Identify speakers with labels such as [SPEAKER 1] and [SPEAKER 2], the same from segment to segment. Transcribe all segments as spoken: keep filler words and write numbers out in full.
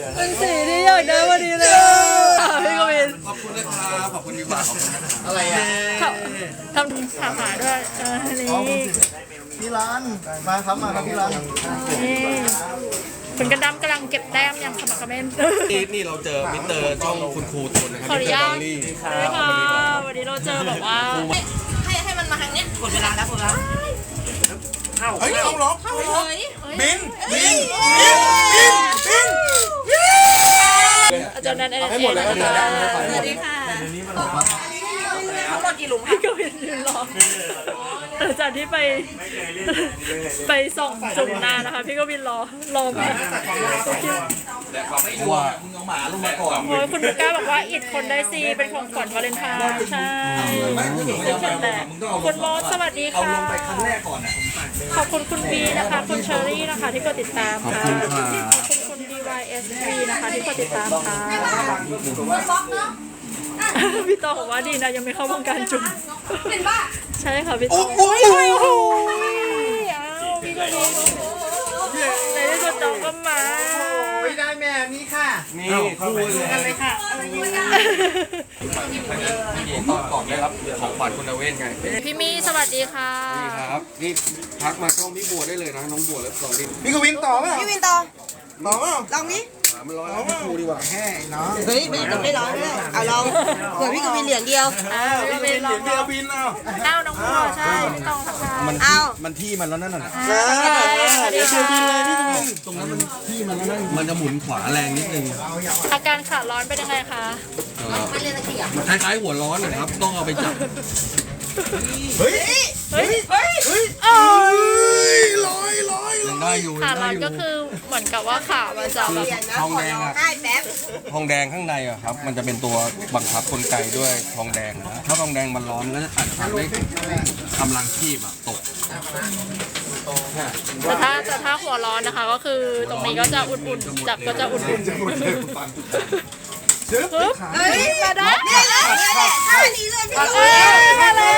[SPEAKER 1] เป็นสีที่อยากได้วันนี้เลยพี่กวิน
[SPEAKER 2] ขอบคุณนะครับขอบคุณดีกว่าอะไรอ่ะ
[SPEAKER 1] ทำถามหาด้วยเออนี่
[SPEAKER 3] พี่ร้านมาครับมาครับพี่ร้าน
[SPEAKER 1] นี่คุณกระดำกำลังเก็บแต้มอย่างสมัครเม่น
[SPEAKER 2] นี่นี่เราเจอมิสเตอร์ช่องคุณครูตุนนะครับ
[SPEAKER 1] ขออนุญาตเลยค่ะวันนี้เราเจอแบบว่า
[SPEAKER 4] ให้ให้มันมาทางเนี้ยกดเวลาแล้วกดเวลา
[SPEAKER 2] เฮ้ยต้องล็อกบินบินบินบิน
[SPEAKER 1] อาจารย์นันเองให้
[SPEAKER 2] หมดเลยส
[SPEAKER 4] วัสดีค่ะทั้งหมดกี่หลุม
[SPEAKER 1] พี่กวินยืนรอหลังจากที่ไปไปส่องจุ่มนานะคะพี่กวินรอรอมา
[SPEAKER 2] ว่ามึงเอาหมาลงมาก่อน
[SPEAKER 1] โอ้ยคุณลูก้าบอกว่าอิดคนได้ซีเป็นของขวัญวาเลนไทน์ใช่แต่คุณโมสวัสดีค่ะขอบคุณคุณบีนะคะคุณเชอรี่นะคะที่กดติดตามค่ะขอบคุณคุณ ดี วาย เอส วี นะคะที่กดติดตามค่ะพี่ตองบอกว่าดีนะยังไม่เข้าวงการจุ่มเป็นป่ะใช่ค่ะพี่ตองโอ้ยโอ้ยอ้าวพี่ก็มีในที่สุดตองก็มา
[SPEAKER 3] ไม่ได้แม่นี้ค่ะ
[SPEAKER 2] นี่คู่
[SPEAKER 1] กันเลยค่ะ
[SPEAKER 2] ก่อนได้รับของขวัญคุณเว้นไง
[SPEAKER 1] พี่มีสวัสดีค่ะ
[SPEAKER 2] นี่ครับนี่ทักมาช่องพี่บัวได้เลยนะน้องบัวแล้วสองดิ
[SPEAKER 3] พี่กวินต่อไหม
[SPEAKER 4] พี่วินต่อ
[SPEAKER 3] ต่อไหม
[SPEAKER 4] ลองนี้
[SPEAKER 2] มันร้อยพี่ครูดีกว่า
[SPEAKER 3] แค่เนาะ
[SPEAKER 4] เฮ้ยไม่ต้องไม่ร้องเลยเอาลองเผื่อพี่กวินเหรียญเดียว
[SPEAKER 1] อ่าพี่กวินลองเดียว
[SPEAKER 3] บินเอา
[SPEAKER 1] เอ้าน้องบัวใช่ไม่ต้องทักทาย
[SPEAKER 2] มันที่มันที่มันแล้วนั่นน่ะ
[SPEAKER 1] เดี๋ยวช่วยบินเลยพี่กวิน
[SPEAKER 2] ตรงนั้นมันที่มันแล้วนั่นมันจะหมุนขวาแรงนิดนึง
[SPEAKER 1] อาการขาร้อนเป็นยังไงคะ
[SPEAKER 2] มันคล้ายๆหัวร้อนนะครับต้องเอาไปจับ
[SPEAKER 3] เฮ้ย
[SPEAKER 1] เฮ้ยเฮ้ยเฮ้ย
[SPEAKER 3] ลอยลอย
[SPEAKER 2] ยังได้อยู่
[SPEAKER 1] ขาร้อนก็คือเหมือนกับว่าขามันจะแบบ
[SPEAKER 2] ทองแดงอะทองแดงข้างในอะครับมันจะเป็นตัวบังคับกลไกด้วยทองแดงนะถ้าทองแดงมันร้อนก็จะอาจจะทำให้กำลังชีพอะตก
[SPEAKER 1] แต่ถ้าแต่ถ้าหัวร้อนนะคะก็คือตรงนี้ก็จะอุ่นๆจับก็จะอุ่นๆปึ๊บเฮ้ยมาได้
[SPEAKER 4] นี่เลยท่านี้เลยพี่กวิน
[SPEAKER 1] มาเลย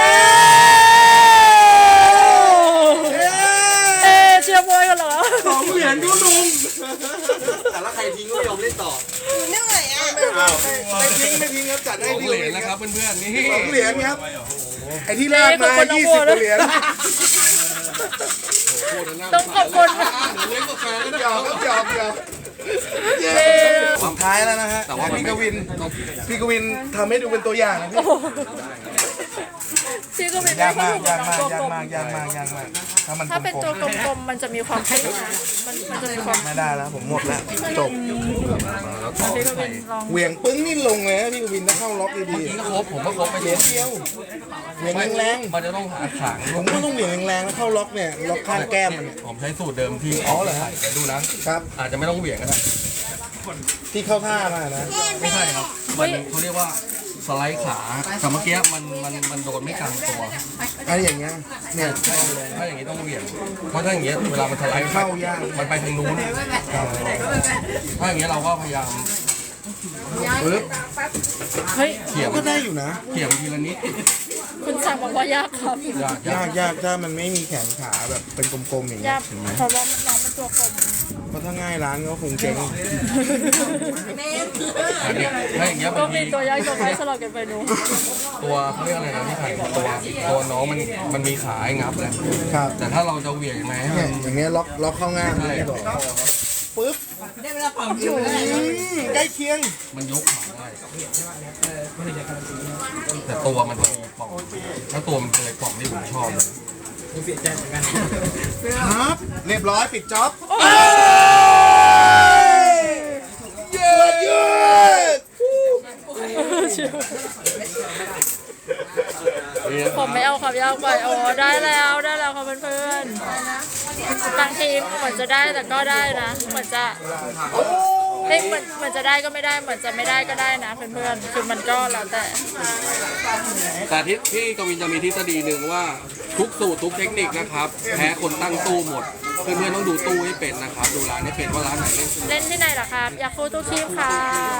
[SPEAKER 1] เอเชียร์บอยกันเหรอ
[SPEAKER 2] สองเหรียญดูลุงแต่ละใครทิ้งก็ไม่ยอมเล่นต่อ
[SPEAKER 4] เหนื่อยอ่ะ
[SPEAKER 3] ไม่ทิ้งไม่ทิ้งครับจัดให้
[SPEAKER 2] เหรียญนะครับเพื่อนๆนี่
[SPEAKER 3] สองเหรียญครับไอ้ที่แรกมายี่สิบเหรียญ
[SPEAKER 1] ต้องขอบคุณ
[SPEAKER 2] เล่นกาแฟแล้วนะ
[SPEAKER 3] หยอกหยอกหยอกสุดท้ายแล้วนะฮะแต่ว่าพี่กวินพี่กวินทำให้ดูเป็นตัวอย่างนะพี่
[SPEAKER 1] พี่ก็เป็น
[SPEAKER 3] ยากมากยากมากยากมากยากมากยากมากถ้ามัน
[SPEAKER 1] ถ้าเป็นตัวกลมๆมันจะมีความเท่มันมันจะมีความ
[SPEAKER 3] ไม่ได้แล้วผมหมดแล้วจบ
[SPEAKER 1] พี่ก็เป็นลอง
[SPEAKER 3] เหวี่ยงปึ้งนี่ลงเลยนะพี่กวินถ้าเข้าล็อกดี
[SPEAKER 2] ๆก็ครบผมก็ครบไปเหรียญเดียว
[SPEAKER 3] เหวี่ยงแรง
[SPEAKER 2] ๆมันจะต้องหาขาง
[SPEAKER 3] ผมก็ต้องเหวี่ยงแรงๆแล้วเข้าล็อกเนี่ยล็อกข้างแก้มมัน
[SPEAKER 2] ผมใช้สูตรเดิมที่อ๋อเหรอฮะดูนะครับอาจจะไม่ต้องเหวี่ยงก็ได้
[SPEAKER 3] ที่เข้าท่ามานะ
[SPEAKER 2] ไม่ใช่ครับมันเขาเรียกว่าสไลด์ขาแต่เมื่อกี้มันมันมันโดนไม่กลางตัว
[SPEAKER 3] อะไรอย่างเงี้ยเนี่ย
[SPEAKER 2] ถ้าอย่างงี้ต้องเหวี่ยงเพราะถ้าอย่างเงี้ยเวลามันสไลด์
[SPEAKER 3] เข้ายาก
[SPEAKER 2] มันไปทางนู้นถ้าอย่างเงี้ยเราก็พยายาม
[SPEAKER 3] ปึ๊บ
[SPEAKER 1] เฮ้ย
[SPEAKER 2] เขี่ย
[SPEAKER 3] ก็ได้อยู่นะ
[SPEAKER 2] เขี่ยทีละนิด
[SPEAKER 1] คุณสั่งบอกว่ายากครับ
[SPEAKER 3] ยากยากถ้ามันไม่มีแขนขาแบบเป็นกลมๆอย่างเงี้ย
[SPEAKER 1] เพราะว่ามันน้องมันตัวกลม
[SPEAKER 3] เพราะถ้าง่ายร้านก็คงเจ๊ง
[SPEAKER 2] ถ้าอย่างเงี้ย
[SPEAKER 1] ก็มีตัวยากตัวง่ายสลับกันไปนู
[SPEAKER 2] ตัวเขาเรียกอะไรนะพี่ไข่ตัวตัวน้องมันมันมีขาให้งับแหละ
[SPEAKER 3] ครับ
[SPEAKER 2] แต่ถ้าเราจะเหวี่ยงไหม
[SPEAKER 3] อย่างเงี้ยล็อกล็อกเข้าง่ายเลยปึ๊บ
[SPEAKER 4] ได้เวลาความอยู่
[SPEAKER 3] ใกล้เคียง
[SPEAKER 2] มันยกขาได้แต่ตัวมันจะมีปล่องถ้าตัวมันเคยปล่องที่ผมชอบ
[SPEAKER 3] เสียใจเหมือนกันครับเรียบร้อยปิดจ็อบเยอะเย
[SPEAKER 1] อะผมไม่เอาความยากไปโอ้ได้แล้วได้แล้วค่ะเพื่อนๆบางทีเหมือนจะได้แต่ก็ได้นะเหมือนจะเฮ้ยเหมือนเหมือนจะได้ก็ไม่ได้เหมือนจะไม่ได้ก็ได้นะเพื่อนๆคือมันก็แล้วแต่
[SPEAKER 2] แต่ที่พี่กวินจะมีทฤษฎีหนึ่งว่าทุกสูตรทุกเทคนิคนะครับแพ้คนตั้งตู้หมดเพื่อนๆต้องดูตู้ให้เป็นนะครับดูร้านให้เป็นว่าร้านไหนเล่น
[SPEAKER 1] เล่นที่ไหนล่ะครับอยากฟูตู้คีบค่ะ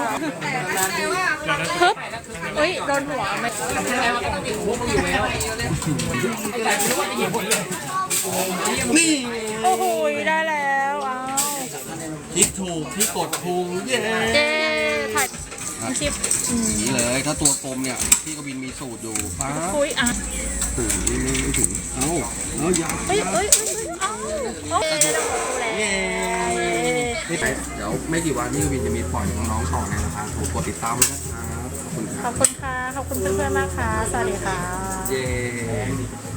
[SPEAKER 1] ฮึบเฮ้ยโดนหัวไหมนี่โอ้โหได้แล้วอ้าว
[SPEAKER 2] คิดถูกที่กดพุงเย้
[SPEAKER 1] เย้ถ่ายคลิปอืม
[SPEAKER 2] นี่เลยถ้าตัวกลมเนี่ยพี่กวินมีสูตรอยู่ป้า
[SPEAKER 1] คุยอ่ะ
[SPEAKER 2] ถึงไม่ไม่ถึงเอ้าเอ้ายาว
[SPEAKER 1] เอ้ยเอ้ยเอ้ยเอ้าโอเคเราดูแล
[SPEAKER 2] เย้นี่ไปเดี๋ยวไม่กี่วันพี่กวินจะมีปล่อยน้องๆต่อในราคาถูกกดติดตามไว้นะครับขอบคุณค
[SPEAKER 1] ข
[SPEAKER 2] รั
[SPEAKER 1] อ
[SPEAKER 2] บบ
[SPEAKER 1] คุณค่ะ ขอบคุณเพื่อนๆมากค่ะ สวัสดีค่ะ
[SPEAKER 2] เย้